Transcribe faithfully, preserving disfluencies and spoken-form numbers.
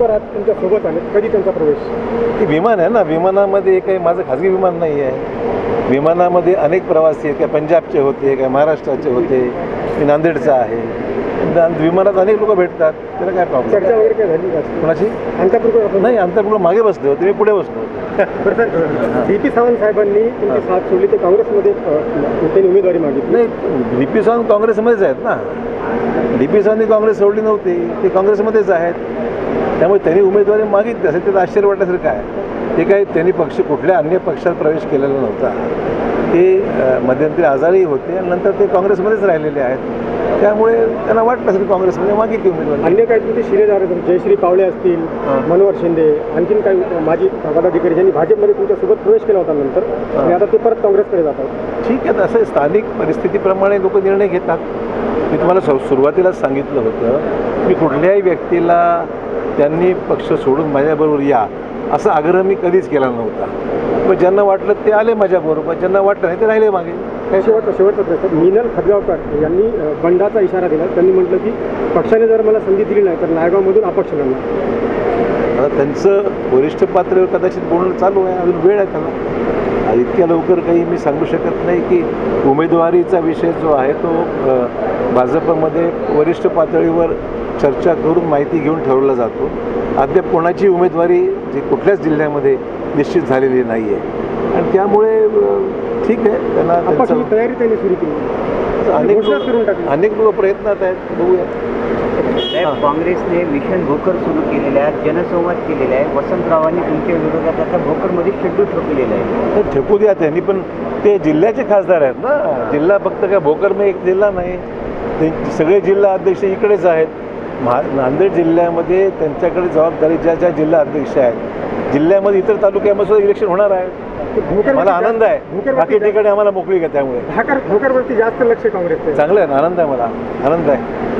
उमेदवार आज तुमच्या सोबत आले, कधी त्यांचा प्रवेश? ते विमान आहे ना, विमानामध्ये काही माझं खाजगी विमान नाही आहे. विमानामध्ये अनेक प्रवासी आहेत, काय पंजाबचे होते, काय महाराष्ट्राचे होते, मी नांदेडचा आहे. आणि विमानात अनेक लोक भेटतात, त्याला काय प्रॉब्लेम? चर्चा वगैरे काय झाली का कोणाची? अंतर्गत नाही, अंतर्गुळ मागे बसले होते, मी पुढे बसलो होतो. डी पी सावंत साहेबांनी तुमची साथ सोडली, ते काँग्रेसमध्ये अ, त्यांनी उमेदवारी मागितली. नाही, डी पी सावंत काँग्रेसमध्येच आहेत ना. डी पी सावंतनी काँग्रेस सोडली नव्हती, ते काँग्रेसमध्येच आहेत. त्यामुळे त्यांनी उमेदवारी मागितली असेल, त्याचं आश्चर्य वाटण्यासारखं आहे. ते काही त्यांनी पक्ष कुठल्या अन्य पक्षात प्रवेश केलेला नव्हता. ते मध्यंतरी आजारी होते आणि नंतर ते काँग्रेसमध्येच राहिलेले आहेत. त्यामुळे त्यांना वाटलं असेल काँग्रेसमध्ये मागितली उमेदवारी. अन्य काही तुमचे शिलेदार आहेत, जयश्री पावले असतील, मनोहर शिंदे, आणखीन काही माजी पदाधिकारी ज्यांनी भाजपमध्ये तुमच्यासोबत प्रवेश केला होता नंतर, आणि आता ते परत काँग्रेसकडे जातात. ठीक आहे, असं स्थानिक परिस्थितीप्रमाणे लोक निर्णय घेतात. मी तुम्हाला सु सुरुवातीलाच सांगितलं होतं, मी कुठल्याही व्यक्तीला त्यांनी पक्ष सोडून माझ्याबरोबर या असा आग्रह मी कधीच केला नव्हता. पण ज्यांना वाटलं ते आले माझ्याबरोबर, ज्यांना वाटलं नाही ते राहिले मागे. काय शेवटचा शेवटचा प्रश्न, मिनल खदगावकर यांनी अ, बंडाचा इशारा दिला. त्यांनी म्हटलं की पक्षाने जर मला संधी दिली नाही तर नायगावमधून अपक्ष लढणार. आता त्यांचं वरिष्ठ पातळीवर कदाचित बोलणं चालू आहे, अजून वेळ आहे त्याला. इतक्या लवकर काही मी सांगू शकत नाही की उमेदवारीचा विषय जो आहे तो अ, भाजपमध्ये वरिष्ठ पातळीवर चर्चा करून माहिती घेऊन ठरवला जातो. अद्याप कोणाची उमेदवारी जी कुठल्याच जिल्ह्यामध्ये निश्चित झालेली नाही आहे आणि त्यामुळे अ, ठीक आहे, त्यांना अपक्ष त्यांचं तयारी त्यांनी सुरू केली, अनेक घोषणाच करून टाकली. लोक अनेक लोक प्रयत्नात आहेत, बघूया. साहेब, काँग्रेसने मिशन भोकर सुरू केलेलं आहे, जनसंवाद केलेला आहे. वसंतरावांनी तुमच्या विरोधात आता भोकरमध्ये शेड्यूल ठोकलेलं आहे. तर ठेकू द्या, त्यांनी पण ते जिल्ह्याचे खासदार आहेत ना. जिल्हा फक्त काय भोकरमध्ये एक जिल्हा नाही, ते सगळे जिल्हा अध्यक्ष इकडेच आहेत. महा नांदेड जिल्ह्यामध्ये त्यांच्याकडे जबाबदारी ज्या ज्या जिल्हा अध्यक्ष आहेत, जिल्ह्यामध्ये इतर तालुक्यामध्ये सुद्धा इलेक्शन होणार आहे. मला आनंद आहे. बाकी ठिकाणी आम्हाला मोकळी का, त्यामुळे भोकर भोकरवरती जास्त लक्ष काँग्रेसचं आहे. चांगलं आहे ना, आनंद आहे, मला आनंद आहे.